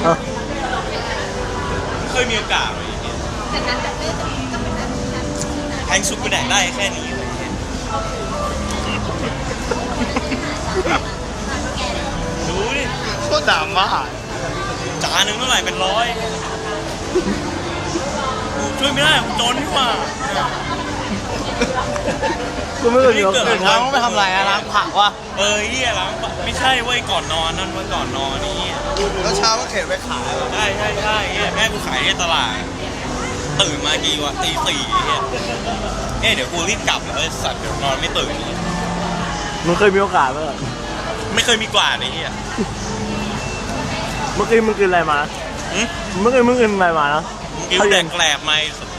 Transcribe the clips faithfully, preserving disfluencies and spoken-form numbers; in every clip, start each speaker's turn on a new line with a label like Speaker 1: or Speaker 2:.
Speaker 1: เคยมีโอกาสเลยแพงสุดกูแดกได้แค่นี้เลยดูดิ
Speaker 2: โคตรด่ามาก
Speaker 1: จานหนึ่งเท่าไหร่เป็นร้อยกูช่วยไม่ได้กูจนนี่หว่า
Speaker 2: กูไม่เคยมีโอกาสตื่นเช้าต้องไปทำอะไรอะล้างผักวะ
Speaker 1: เออเฮียล้างปะไม่ใช่เว้ยก่อนนอนนั่นเว้ยก่อนนอนนี่
Speaker 2: แล้วเช้าก็เข็นไปขาย
Speaker 1: ใช่ใช่ใช่เฮียแม่กูขายในตลาดตื่นมากี่วะตีสี่เฮียเอ๊ะเดี๋ยวกูรีบกลับแล้วไอ้สัตว์เดี๋ยวนอนไม่ตื่น
Speaker 2: มึงเคยมีโอกาสไหม
Speaker 1: ไม่เคยมีกว่าไอ้เฮีย
Speaker 2: เมื่อกี้มึงกินอะไรมา
Speaker 1: หึ
Speaker 2: เมื่อกี้มึงกินอะไรมานะ
Speaker 1: กิ้วแดงแกลบไหม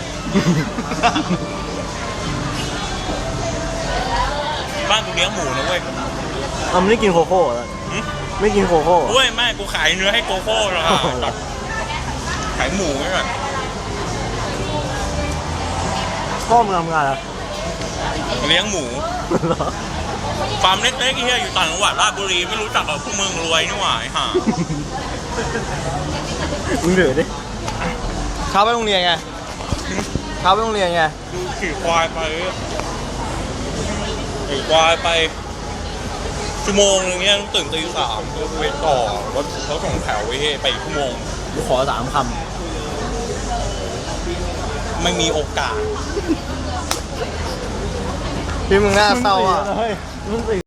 Speaker 1: บ้านกูเลี้ยงหมูนะเว้ย
Speaker 2: อ่ะมึงไม่กินโคโค่เหรอ
Speaker 1: หึ
Speaker 2: ไม่กินโคโค่
Speaker 1: เว้ยแม่กูขายเนื้อให้โกโก้นะขายหมูไว้ก่อน
Speaker 2: พ่อมึงทำงานอะไร
Speaker 1: เลี้ยงหมูฟาร์มเล็กๆที่เฮียอยู่ต่างจังหวัดราชบุรีไม่รู้จักกับพวกมึงรวยนี่หว่าไอ้ห่า
Speaker 2: มึงเดือดดิเช้าไปโรงเรียนไงเช้าไปโรงเรียนไง
Speaker 1: ดูขี่ควายไปขี่ควายไปชั่วโมงนึงเนี้ยต้องตื่นตีสามก็ไปต่อรถเขาส่งแถวไว้ให้ไปอีกชั่วโมง
Speaker 2: กูขอสามค
Speaker 1: ไม่มีโอกาส
Speaker 2: ำพี่มึงน่าเศร้าอ่ะมึงสี่